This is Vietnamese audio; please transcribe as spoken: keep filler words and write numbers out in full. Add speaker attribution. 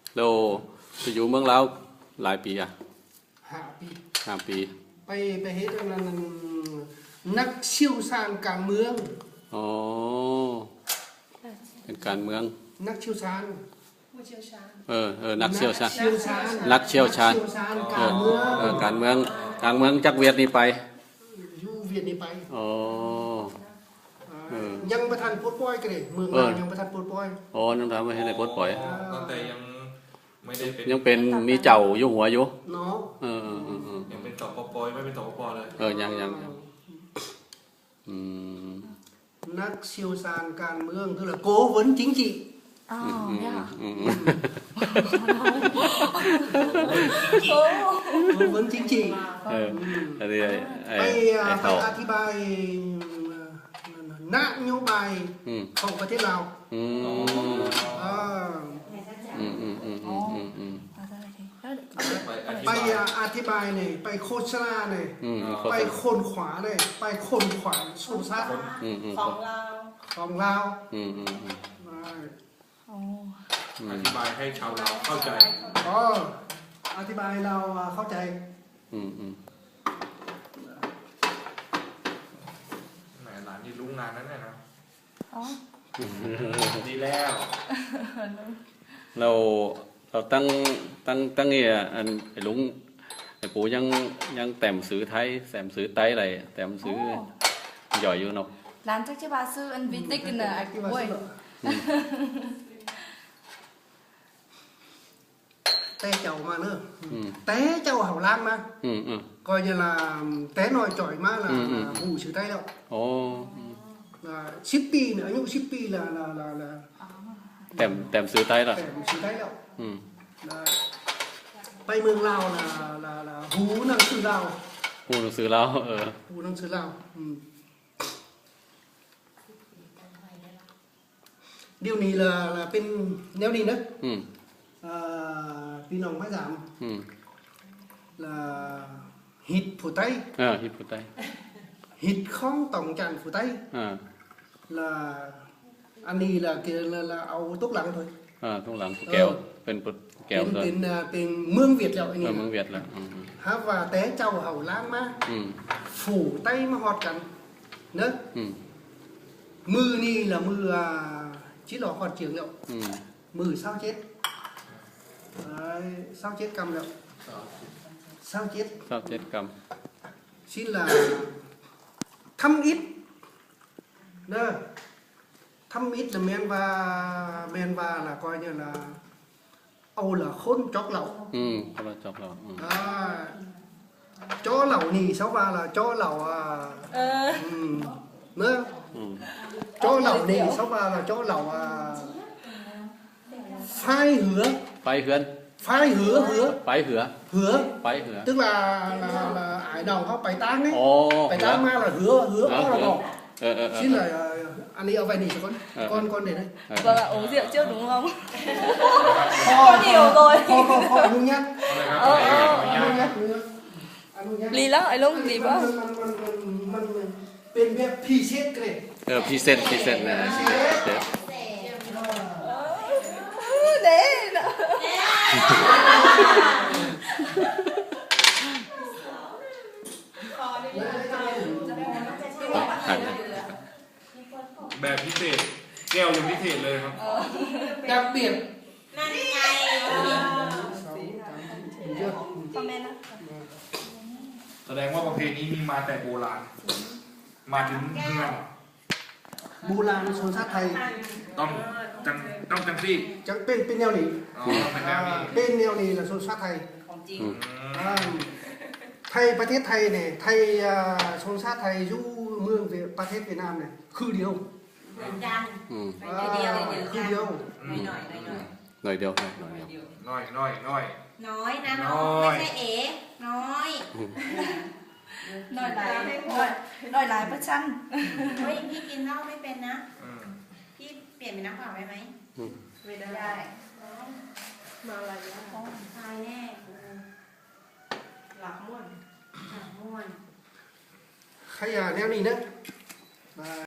Speaker 1: เราไปอยู่เมืองลาวหลายปีอ่ะ
Speaker 2: ห้าปี
Speaker 1: ห้าปี
Speaker 2: ไปไปเฮ็ดอันนั้นนักเชี่ยวชาญการเมือง
Speaker 1: อ๋อเป็นการเมือง
Speaker 2: นักเชี่ยวชาญ
Speaker 1: เออเออนักเชี่ยวชาญ
Speaker 2: นั
Speaker 1: กเชี่ยวชาญ
Speaker 2: การเมือง
Speaker 1: เออการเมืองการเมืองจากเวียดนี่ไป
Speaker 2: อยู่เวียดนี่ไป
Speaker 1: อ๋อ
Speaker 2: ยังประธานปลดปล่อยกันเลยเมืองลาวยังประธานปลดปล่อย
Speaker 1: อ๋อน้ำทำไม่ให้ได้ปลดปล่อย
Speaker 3: แต่ยังไม่ได้เป็น
Speaker 1: ยังเป็นมีเจ้าอยู่หัวอยู่
Speaker 2: เนาะ
Speaker 1: เออเออเออ
Speaker 3: ยังเป็นต่อปปไม่เป็นต่อปปเลย
Speaker 1: เออยังยังอืม
Speaker 2: นักเชี่ยวชาญการเมืองtức là cố vấn chính trị
Speaker 4: อ๋อเนี่ย
Speaker 2: cố vấn chính trị
Speaker 1: เอออะไร
Speaker 2: ไปไปอธิบายนโยบายของประเทศลาว
Speaker 1: อืม
Speaker 2: อ่า
Speaker 1: อืมอืมอืมอืมอืมอืม
Speaker 2: ไปอธิบายเนี่ยไปโฆษณาเนี่ยไปคนขวาเนี่ยไปคนขวาชนชาติ
Speaker 4: ของเรา
Speaker 2: ของเรา
Speaker 1: อืมอืมอืม
Speaker 3: อธิบายให้ชาวลาวเข้าใจ
Speaker 2: อ๋ออธิบายเราเข้าใจ
Speaker 1: อืมอืม
Speaker 3: แหมหลานนี่รู้งานนั้นแน่นะ
Speaker 4: อ๋อ
Speaker 3: ดีแล้ว
Speaker 1: เราเราตั้งตั้งตั้งเนี่ยอันไอ้ลุงไอ้ปู่ยังยังแต่มซื้อไทยแต่มซื้อไต้อะไรแต่มซื้อหย่อยอยู่เนาะ
Speaker 4: ร้านจักรบาซื้ออันวิติกน่ะไอ้ป่วย
Speaker 2: té chậu mà nữa té chậu hảo lan mà coi như là té nồi chổi mà là hủ sứ tay đâu là shippi nữa nhũ shippi là là là là
Speaker 1: tèm tèm sứ tay rồi
Speaker 2: tèm sứ tay đâu bay mương Lào là là là hú năng sứ Lào
Speaker 1: hú năng sứ Lào ờ
Speaker 2: hú năng sứ Lào điều này là là bên neo đi nữaพี่น้องไม่สามlà hít phủ Tây
Speaker 1: à hít phủ Tây
Speaker 2: hít không tổng tràn phủ Tây
Speaker 1: à
Speaker 2: là anh đi là kia là, là ao thuốc lắng thôi
Speaker 1: à thuốc lắng kéoเป็นkéo
Speaker 2: rồiเป็นเป็นเมืองเวียดแล้วอันนี้
Speaker 1: เมืองเวียดแล้ว
Speaker 2: ฮะว่าแต่เจ้าเห่าล้างมาphủ Tâyมาหอดกันเนอะมือนี่làมือchỉ lò họt trường liệuมือsao chết Đấy, sao chết cầm được sao chết
Speaker 1: sao chết cầm
Speaker 2: xin là thăm ít nè thăm ít là men và men và là coi như là âu là khôn chót lẩu
Speaker 1: ừ là chót lẩu ừ.
Speaker 2: À, chó lẩu nì sáu ba là chó lẩu à ừ. nữa ừ. Chó lẩu nì sáu ba là chó lẩu à phai hứa
Speaker 1: phai hứa
Speaker 2: phai hứa hứa
Speaker 1: phai hứa
Speaker 2: hứa
Speaker 1: phai hứa
Speaker 2: tức là là là ải đầu họ bài tang ấy
Speaker 1: oh,
Speaker 2: bài tang ma là hứa hứa đó là ngọt
Speaker 1: ờ, ờ,
Speaker 2: xin là anh đi ở vài nỉ cho con ờ, con con để đây
Speaker 4: vâng ạ uống rượu trước đúng không có nhiều rồi
Speaker 2: kho kho kho anh nhắc
Speaker 4: ờ ờ lì lắm anh luôn lì quá
Speaker 2: bên bên phi xét cái này
Speaker 1: ờ phi xét phi xét này
Speaker 4: để
Speaker 3: แบบพิเศษแก้วยังพิเศษเลยครับ
Speaker 2: đặc biệt
Speaker 4: นั่นไงคอมเมนต์นะ
Speaker 3: แสดงว่าประเพณีนี้มาแต่โบราณมาถึงเมือง
Speaker 2: โบราณชนชาติไทย
Speaker 3: ต้องจังต้องจังซี่
Speaker 2: จังเป็นเป็นแนวนี้
Speaker 3: อ๋อเป็นแนวนี้
Speaker 2: เป็นแนวนี้làชนชาติไทย
Speaker 4: ของจริง
Speaker 2: ไทยประเทศไทยเนี่ยไทยชนชาติไทยอยู่เมืองประเทศเวียดนามเนี่ยคือเดียว
Speaker 4: กันเดียว
Speaker 2: คือเดียว
Speaker 4: หน่อยหน่อย
Speaker 1: หน่อยเดียวหน่อยเดียว
Speaker 3: น้อยน้อยน้อย
Speaker 4: น้อยนะน้อยไม่ใช่เอ๋น้อยน้อยหลายน้อยน้อยหลายประชันเฮ้ยพี่กินเหล้าไม่เป็นนะพี่เปลี่ยนเป็นน้ำเปล่าได้ไหมไม่ได้มาอะไรนะตายแน่หลับม่วนหลับม่วน
Speaker 2: ใครอ่ะแนวนี้นะ